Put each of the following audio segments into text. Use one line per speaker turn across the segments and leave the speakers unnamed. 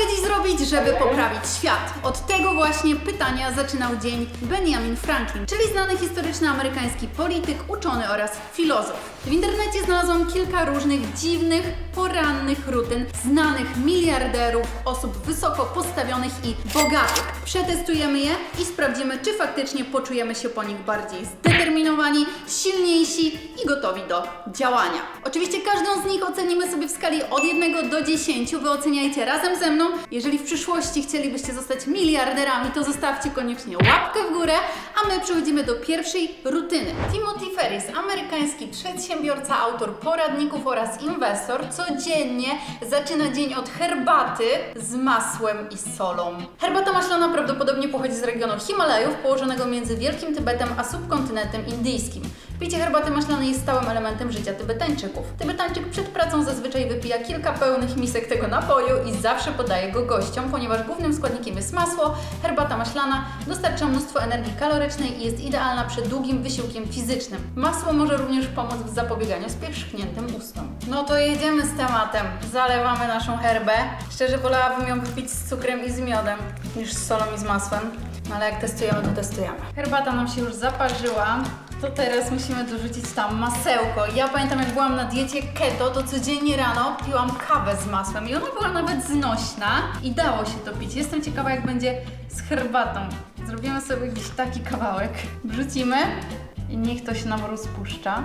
dziś zrobić, żeby poprawić świat? Od tego właśnie pytania zaczynał dzień Benjamin Franklin, czyli znany historyczny amerykański polityk, uczony oraz filozof. W internecie znalazłam kilka różnych dziwnych, porannych rutyn znanych miliarderów, osób wysoko postawionych i bogatych. Przetestujemy je i sprawdzimy, czy faktycznie poczujemy się po nich bardziej zdeterminowani, silniejsi i gotowi do działania. Oczywiście każdą z nich ocenimy sobie w skali od 1 do 10. Wy oceniajcie razem ze mną. Jeżeli w przyszłości chcielibyście zostać miliarderami, to zostawcie koniecznie łapkę w górę, a my przechodzimy do pierwszej rutyny. Timothy Ferris, amerykański przedsiębiorca, autor poradników oraz inwestor, codziennie zaczyna dzień od herbaty z masłem i solą. Herbata maślana prawdopodobnie pochodzi z regionu Himalajów, położonego między Wielkim Tybetem a subkontynentem indyjskim. Picie herbaty maślanej jest stałym elementem życia Tybetańczyków. Tybetańczyk przed pracą zazwyczaj wypija kilka pełnych misek tego napoju i zawsze podaje go gościom, ponieważ głównym składnikiem jest masło. Herbata maślana dostarcza mnóstwo energii kalorycznej i jest idealna przed długim wysiłkiem fizycznym. Masło może również pomóc w zapobieganiu spierzchniętym ustom. No to jedziemy z tematem. Zalewamy naszą herbę. Szczerze wolałabym ją wypić z cukrem i z miodem niż z solą i z masłem. No ale jak testujemy, to testujemy. Herbata nam się już zaparzyła. To teraz musimy dorzucić tam masełko. Ja pamiętam, jak byłam na diecie keto, to codziennie rano piłam kawę z masłem i ona była nawet znośna i dało się to pić. Jestem ciekawa, jak będzie z herbatą. Zrobimy sobie jakiś taki kawałek. Wrzucimy i niech to się nam rozpuszcza.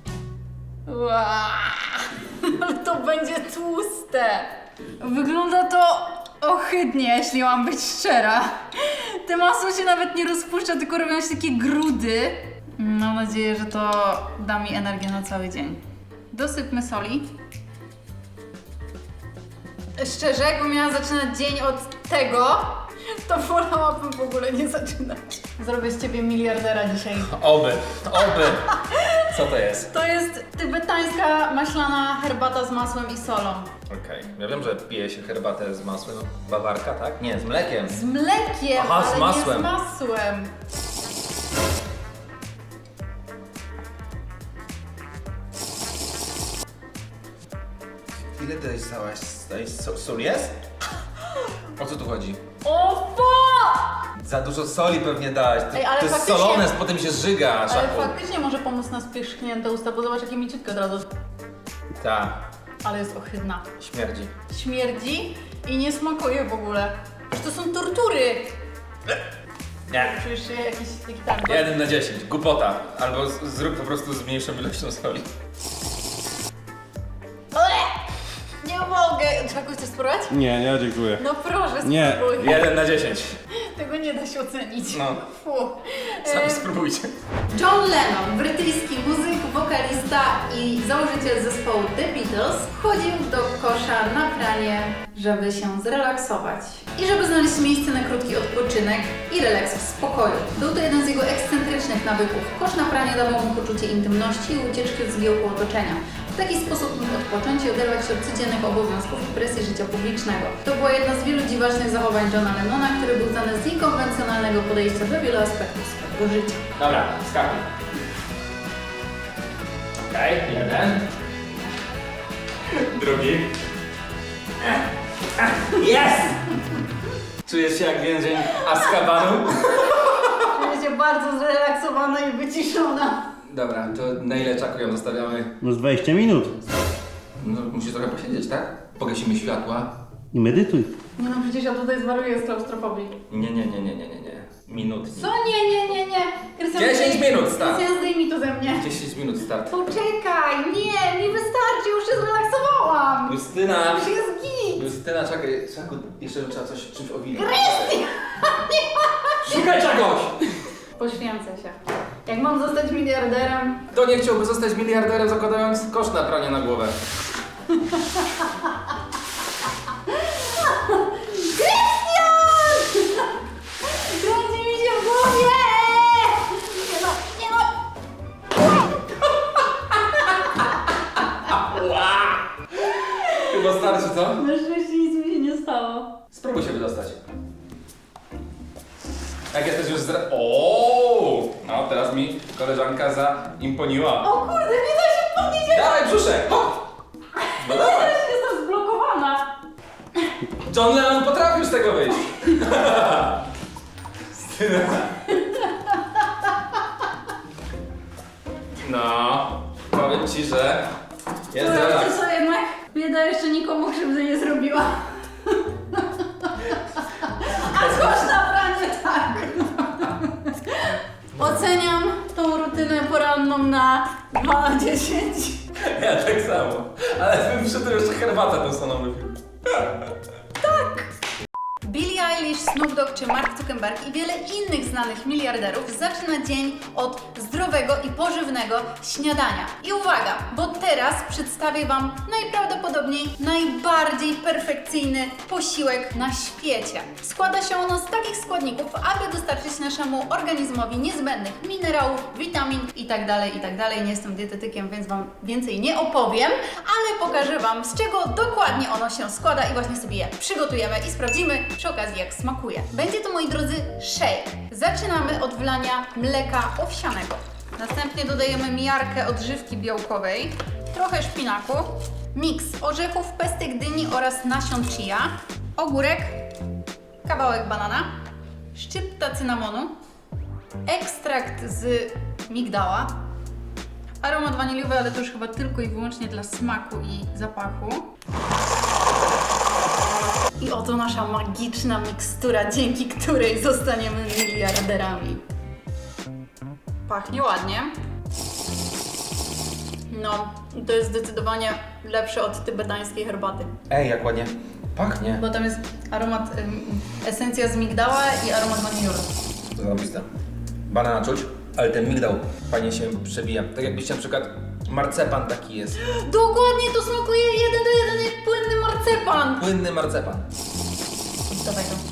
Ale to będzie tłuste. Wygląda to ohydnie, jeśli mam być szczera. Te masło się nawet nie rozpuszcza, tylko robią się takie grudy. Mam nadzieję, że to da mi energię na cały dzień. Dosypmy soli. Szczerze, jakbym miała zaczynać dzień od tego, to wolałabym w ogóle nie zaczynać. Zrobię z ciebie miliardera dzisiaj.
Oby. Co to jest?
To jest tybetańska maślana herbata z masłem i solą.
Okej. Ja wiem, że pije się herbatę z masłem. Bawarka, tak? Nie, z mlekiem.
Z mlekiem,
Aha, z
ale
masłem.
nie z masłem.
Ile tutaj stałaś? Sól jest? O co tu chodzi?
O fuck!
Za dużo soli pewnie dałaś.
Ej, ale
to jest
faktycznie-
solone, potem się żyga.
Ale
Szaku.
faktycznie może pomóc na spierzchnięte usta, bo zobacz, jakie mięciutkie od razu.
Tak,
Ale jest ohydna.
śmierdzi.
Śmierdzi i nie smakuje w ogóle. Przecież to są tortury.
Nie.
Czujesz się jakiś taki tam.
1 na 10, głupota. Albo zrób po prostu z mniejszą ilością soli.
Nie mogę. Czegoś chcesz spróbować?
Nie, nie, dziękuję.
No proszę,
Nie.
spróbuj.
1 na 10.
Tego nie da się ocenić.
No.
Fu.
Sami spróbujcie.
John Lennon, brytyjski muzyk, wokalista i założyciel zespołu The Beatles, chodził do kosza na pranie, żeby się zrelaksować i żeby znaleźć miejsce na krótki odpoczynek i relaks w spokoju. Był to jeden z jego ekscentrycznych nawyków. Kosz na pranie dawał mu poczucie intymności i ucieczki od zgiełku otoczenia. W taki sposób mógł odpocząć i oderwać się od codziennych obowiązków i presji życia publicznego. To była jedna z wielu dziwacznych zachowań Johna Lennona, który był znany z niekonwencjonalnego podejścia do wielu aspektów swojego życia.
Dobra, skakuj. Okej, 1. Drugi. Jest! Czujesz się jak więzień Azkabanu?
Czuję się bardzo zrelaksowana i wyciszona.
Dobra, to na ile czaku ją zostawiamy?
No z 20 minut.
No, musisz trochę posiedzieć, tak? Pogasimy światła.
I medytuj.
Nie no, przecież ja tutaj zwariuję z klaustrofobii.
Nie. Minutnik.
Co? Nie. Krystian,
10 minut, start.
Krystian, zdejmij to ze mnie.
10 minut start.
Poczekaj, nie, mi wystarczy, już się zrelaksowałam.
Justyna!
Już jest git.
Justyna, czekaj, Czaku, jeszcze trzeba czymś owinąć.
Krystian!
Szukaj czegoś!
Poświęcę się. Jak mam zostać miliarderem,
Kto nie chciałby zostać miliarderem, zakładając kosz na pranie na głowę?
kręci mi się w głowie! Nie no.
Chyba starczy, co?
Na szczęście nic mi się nie stało.
Spróbuj się wydostać. Jak jesteś już O! No, teraz mi koleżanka zaimponiła.
O kurde, nie da się podnieść!
Dawaj brzuszek! Hop! No dawaj!
Jestem zblokowana.
John Lennon potrafił z tego wyjść. No, powiem ci, że jest relaks.
co jednak bieda jeszcze nikomu krzywdy nie zrobiła. A coś naprawdę tak. Oceniam tą rutynę poranną na 2 na 10.
Ja tak samo. Ale bym przy tym jeszcze herbatę tą samą wypił.
Billie Eilish, Snoop Dogg czy Mark Zuckerberg i wiele innych znanych miliarderów zaczyna dzień od zdrowego i pożywnego śniadania. I uwaga, bo teraz przedstawię Wam najprawdopodobniej najbardziej perfekcyjny posiłek na świecie. Składa się ono z takich składników, aby dostarczyć naszemu organizmowi niezbędnych minerałów, witamin itd., itd. Nie jestem dietetykiem, więc Wam więcej nie opowiem, ale pokażę Wam, z czego dokładnie ono się składa i właśnie sobie je przygotujemy i sprawdzimy przy okazji, jak smakuje. Będzie to, moi drodzy, shake. Zaczynamy od wlania mleka owsianego. Następnie dodajemy miarkę odżywki białkowej, trochę szpinaku, miks orzechów, pestek dyni oraz nasion chia, ogórek, kawałek banana, szczypta cynamonu, ekstrakt z migdała, aromat waniliowy, ale to już chyba tylko i wyłącznie dla smaku i zapachu. I oto nasza magiczna mikstura, dzięki której zostaniemy miliarderami. Pachnie ładnie. No, to jest zdecydowanie lepsze od tybetańskiej herbaty.
Ej, jak ładnie pachnie.
Bo tam jest aromat, esencja z migdała i aromat waniliowy.
Zarobiste. Banana czuć, ale ten migdał fajnie się przebija. Tak jakbyście na przykład marcepan taki jest.
Dokładnie, to smakuje 1 do 1 jak płynny marcepan.
Płynny marcepan.
Dawaj to.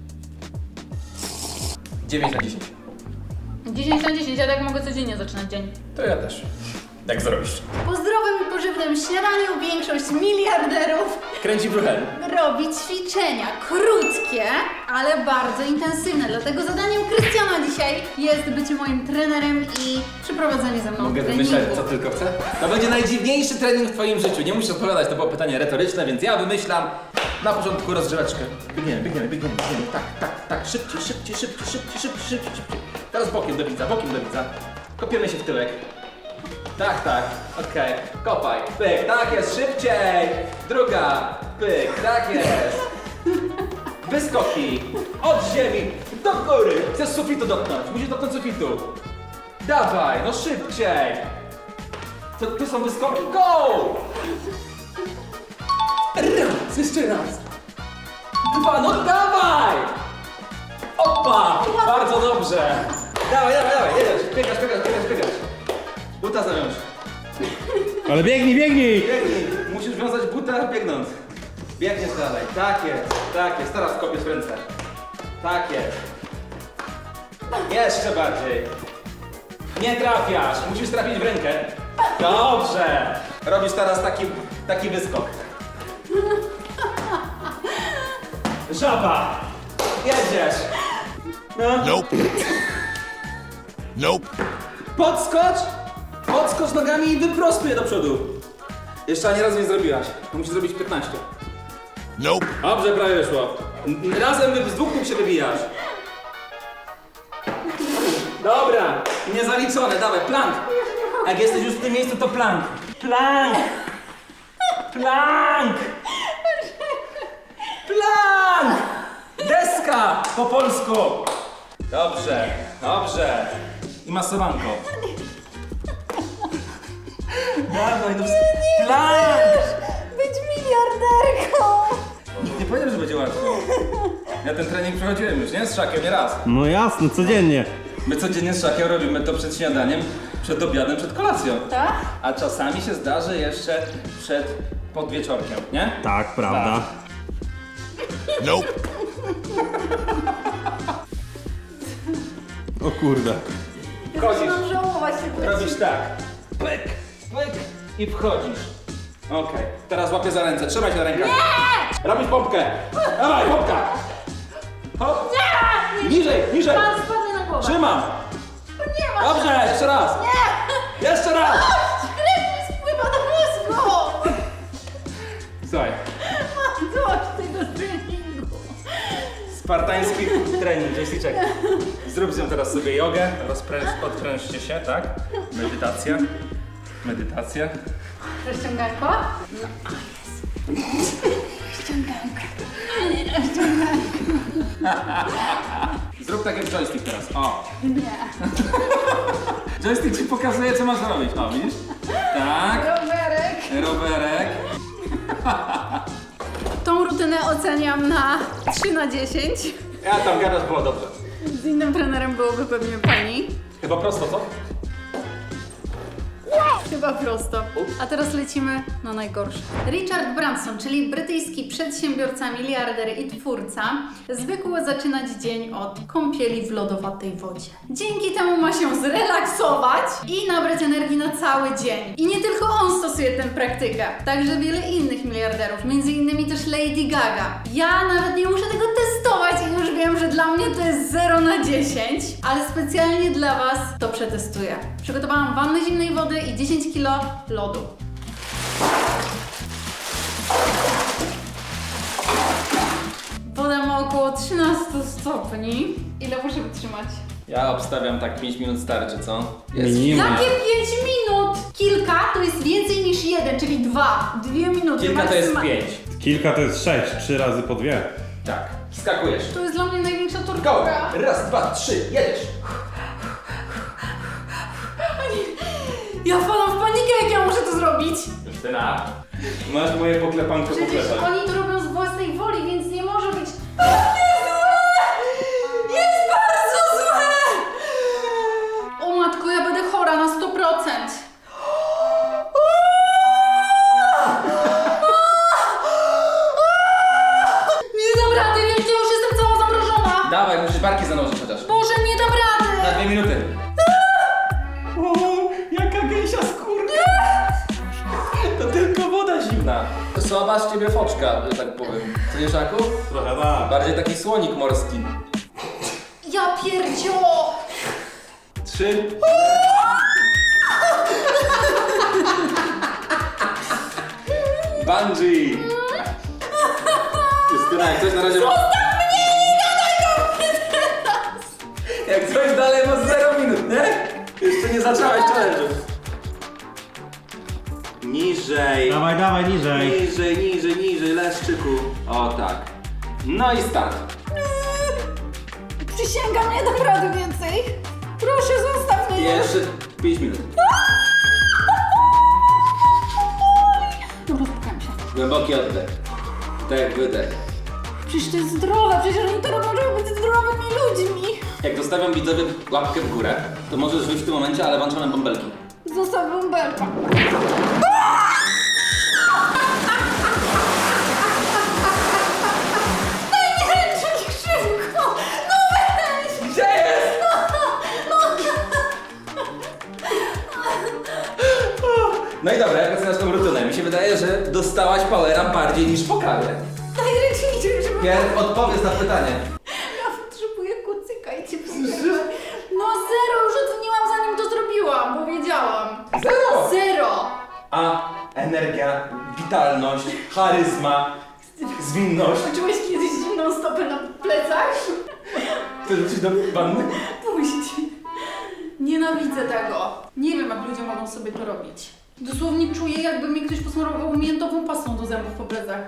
9 na 10.
10 na 10, ja tak mogę codziennie zaczynać dzień.
To ja też. Tak zrobisz.
Po zdrowym i pożywnym śniadaniu większość miliarderów
Kręci brzuchem.
robi ćwiczenia krótkie, ale bardzo intensywne. Dlatego zadaniem Krystiana dzisiaj jest bycie moim trenerem i przeprowadzenie ze mną
Mogę
treningu.
wymyślać, co tylko chcę? To będzie najdziwniejszy trening w twoim życiu. Nie musisz odpowiadać, to było pytanie retoryczne, więc ja wymyślam na początku rozgrzeweczkę. Biegniemy. Tak. Szybciej. Teraz bokiem do widza. Kopiemy się w tyłek. Tak, okej. Kopaj, pyk, tak jest, szybciej! Druga, pyk, tak jest! Wyskoki, od ziemi, do góry! Chcesz sufitu dotknąć, musisz dotknąć sufitu! Dawaj, no szybciej! Tu są wyskoki, go! Raz, jeszcze raz! 2, no dawaj! Opa, bardzo dobrze! Dawaj, jedziesz, biegasz! Buta zawiąż.
Ale biegnij!
Biegnij! Musisz wiązać buta biegnąc. Biegniesz dalej. Tak jest. Teraz kopiesz w ręce. Tak jest. Jeszcze bardziej. Nie trafiasz. Musisz trafić w rękę. Dobrze. Robisz teraz taki wyskok. Żaba. Jedziesz. No.
Nope.
Podskocz nogami i wyprostuj je do przodu. Jeszcze ani razu nie zrobiłaś. To musisz zrobić 15.
Nope.
Dobrze, prawie wyszło. Razem z dwóch nóg się wybijasz. Dobra, niezaliczone, dawaj, plank. Jak jesteś już w tym miejscu, to plank. Plank! Deska po polsku. Dobrze. I masowanko. Dawaj, no plank!
Być miliarderką!
Nie powiedziałem, że będzie łatwo. Ja ten trening przechodziłem już, nie? Z Szakiem, nie raz.
No jasne, codziennie.
My codziennie z Szakiem robimy to przed śniadaniem, przed obiadem, przed kolacją.
Tak?
A czasami się zdarzy jeszcze przed podwieczorkiem, nie?
Tak, prawda.
Nope.
O kurde.
Wchodzisz,
Mam żałować tego.
robisz tak. Pyk i wchodzisz. Okej, teraz łapię za ręce, trzymaj się na rękach. Nie! Robisz pompkę. Dawaj, pompka. Hop. Nie! Niżej.
Pan spadnie na głowę.
Trzymam.
Nie ma.
Dobrze, jeszcze raz.
Nie!
Jeszcze raz.
Krew mi spływa do mózgu!
Słuchaj,
Mam dość tego treningu.
Spartański trening, joysticzek. Zrób z nią teraz sobie jogę, odprężcie się, tak? Medytacja. Medytacja.
Rozciąganko? No, jest. Rozciąganko.
Zrób tak jak joystick teraz, o.
Nie.
Joystick ci pokazuje, co masz robić, o widzisz? Tak,
Rowerek.
rowerek.
Tą rutynę oceniam na 3 na 10.
Ja tam gadasz, było dobrze.
Z innym trenerem byłoby pewnie pani.
Chyba prosto, co?
Chyba prosto. A teraz lecimy na najgorsze. Richard Branson, czyli brytyjski przedsiębiorca, miliarder i twórca, zwykł zaczynać dzień od kąpieli w lodowatej wodzie. Dzięki temu ma się zrelaksować i nabrać energii na cały dzień. I nie tylko on stosuje tę praktykę, także wiele innych miliarderów, między innymi też Lady Gaga. Ja nawet nie muszę tego testować i już wiem, że dla mnie to jest 0 na 10, ale specjalnie dla Was to przetestuję. Przygotowałam wannę zimnej wody i 10 kg lodu. Woda ma około 13 stopni. Ile muszę wytrzymać?
Ja obstawiam tak 5 minut starczy, co?
Minimum.
Jakie 5 minut? Kilka to jest więcej niż 1, czyli 2. 2 minuty.
Kilka to jest
maksymalnie.
5.
Kilka to jest 6, 3 razy po 2.
Tak. Skakujesz.
To jest dla mnie największa
Go!
tortura.
Raz, dwa, trzy, jedziesz!
Ja wpadam w panikę, jak ja muszę to zrobić.
Justyna, masz moje poklepanko
Przecież
poklepać.
oni to robią z własnej woli, więc nie może być takie złe! Jest bardzo złe! O matko, ja będę chora na 100%. Nie dam rady, wiem, ja już jestem cała zamrożona.
Dawaj, musisz barki zanurzyć chociaż.
Boże, nie dam rady.
Na 2 minuty. O, jaka gęsia skórka! To tylko woda zimna. Słaba z ciebie foczka, że tak powiem. Co nie, Szaku?
Trochę tak.
Bardziej taki słonik morski.
Ja pierdzio!
3. Bungee! Justyna, jak coś na razie ma... Jak coś dalej ma 0 minut, nie? Jeszcze nie zaczęłaś challenge'u. Niżej.
Dawaj, dawaj, niżej.
Niżej, leszczyku. O tak. No i start.
Przysięgam, nie dam rady więcej. Proszę, zostaw mnie już.
Jeszcze 5 minut.
Dobra, spokojam się.
Głęboki oddech. Tak, wydech.
Przecież to jest zdrowe, przecież oni to robią, żeby być zdrowymi ludźmi.
Jak dostawiam widzowie łapkę w górę, to możesz żyć w tym momencie, ale włączamy bąbelki.
Zostaw bąbelka. Daj mi ręcznik szybko! No weź!
Gdzie jest? No i dobra, jak oceniasz tą rutynę? Mi się wydaje, że dostałaś powera bardziej niż po kawie.
Daj ręczniczek, żeby...
Pierw odpowiedz na pytanie.
Ja potrzebuję kucyka i cię przyjechać. No 0, już oceniłam zanim to zrobiłam, bo wiedziałam.
0!
0!
A energia, witalność, charyzma, zwinność.
Czułeś kiedyś zimną stopę na plecach?
Chcesz wrócić do wanny?
Puść. Nienawidzę tego. Nie wiem, jak ludzie mogą sobie to robić. Dosłownie czuję, jakby mnie ktoś posmarował miętową pastą do zębów po plecach.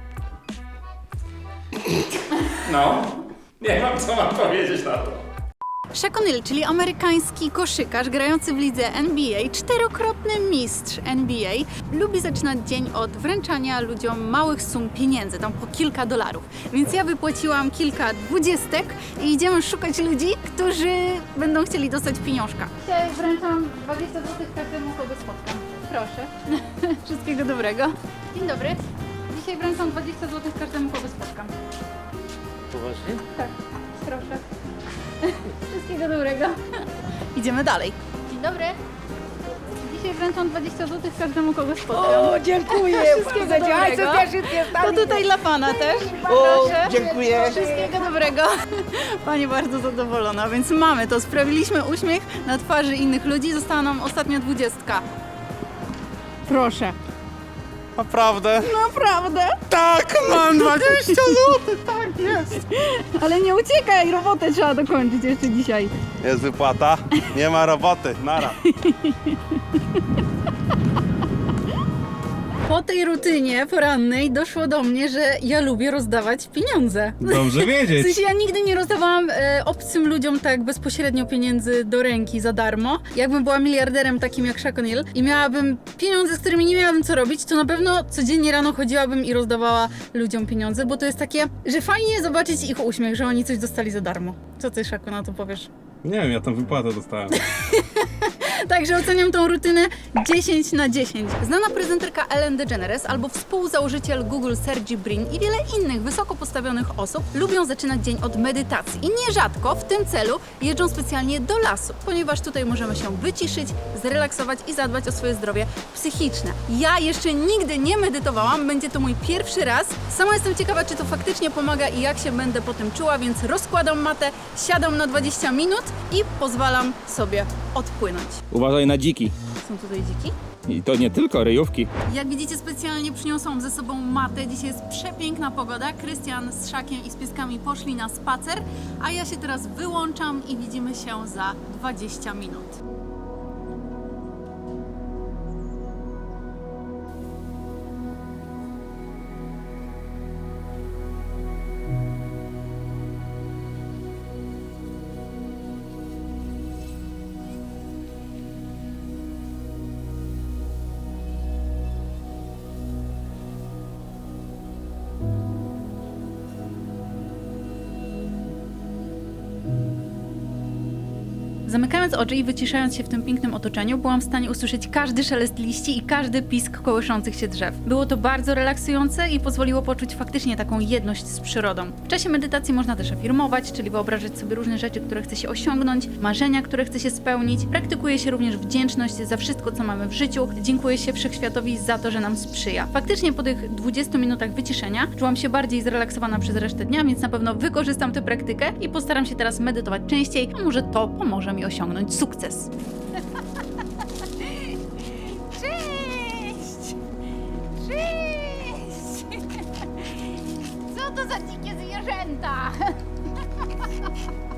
No. Nie mam co mam powiedzieć na to.
Shaq O'Neal, czyli amerykański koszykarz grający w lidze NBA, 4-krotny mistrz NBA, lubi zaczynać dzień od wręczania ludziom małych sum pieniędzy, tam po kilka $. Więc ja wypłaciłam kilka 20 i idziemy szukać ludzi, którzy będą chcieli dostać pieniążka. Dzisiaj wręczam 20 zł każdemu, kogo spotkam. Proszę. Wszystkiego dobrego. Dzień dobry. Dzisiaj wręczam 20 zł każdemu, kogo spotkam.
Poważnie?
Tak, proszę. Wszystkiego dobrego. Idziemy dalej. Dzień dobry. Dzisiaj wręczam 20 zł każdemu, kogo spotkam.
O, dziękuję
Wszystkiego
bardzo. Aj,
dobrego.
co cię
To tutaj dla Pana też.
O,
Proszę.
dziękuję.
Wszystkiego dobrego. Pani bardzo zadowolona, więc mamy to. Sprawiliśmy uśmiech na twarzy innych ludzi. Została nam ostatnia 20. Proszę.
Naprawdę?
Naprawdę?
Tak, mam 20 zł, tak jest.
Ale nie uciekaj, robotę trzeba dokończyć jeszcze dzisiaj.
Jest wypłata, nie ma roboty, nara.
Po tej rutynie porannej doszło do mnie, że ja lubię rozdawać pieniądze.
Dobrze
W
wiedzieć.
sensie ja nigdy nie rozdawałam obcym ludziom tak bezpośrednio pieniędzy do ręki za darmo. Jakbym była miliarderem takim jak Shaq O'Neal i miałabym pieniądze, z którymi nie miałabym co robić, to na pewno codziennie rano chodziłabym i rozdawała ludziom pieniądze, bo to jest takie, że fajnie zobaczyć ich uśmiech, że oni coś dostali za darmo. Co ty, Szaku, na to powiesz?
Nie wiem, ja tam wypłatę dostałem.
Także oceniam tą rutynę 10 na 10. Znana prezenterka Ellen DeGeneres albo współzałożyciel Google Sergey Brin i wiele innych wysoko postawionych osób lubią zaczynać dzień od medytacji. I nierzadko w tym celu jeżdżą specjalnie do lasu, ponieważ tutaj możemy się wyciszyć, zrelaksować i zadbać o swoje zdrowie psychiczne. Ja jeszcze nigdy nie medytowałam, będzie to mój pierwszy raz. Sama jestem ciekawa, czy to faktycznie pomaga i jak się będę po tym czuła, więc rozkładam matę, siadam na 20 minut i pozwalam sobie odpłynąć.
Uważaj na dziki.
Są tutaj dziki?
I to nie tylko ryjówki.
Jak widzicie, specjalnie przyniosłam ze sobą matę. Dzisiaj jest przepiękna pogoda. Krystian z Szakiem i z pieskami poszli na spacer, a ja się teraz wyłączam i widzimy się za 20 minut. Zamykając oczy i wyciszając się w tym pięknym otoczeniu, byłam w stanie usłyszeć każdy szelest liści i każdy pisk kołyszących się drzew. Było to bardzo relaksujące i pozwoliło poczuć faktycznie taką jedność z przyrodą. W czasie medytacji można też afirmować, czyli wyobrażać sobie różne rzeczy, które chce się osiągnąć, marzenia, które chce się spełnić. Praktykuje się również wdzięczność za wszystko, co mamy w życiu. Dziękuję się Wszechświatowi za to, że nam sprzyja. Faktycznie po tych 20 minutach wyciszenia czułam się bardziej zrelaksowana przez resztę dnia, więc na pewno wykorzystam tę praktykę i postaram się teraz medytować częściej, a może to pomoże mi osiągnąć sukces. Cześć! Cześć! Co to za dzikie zwierzęta?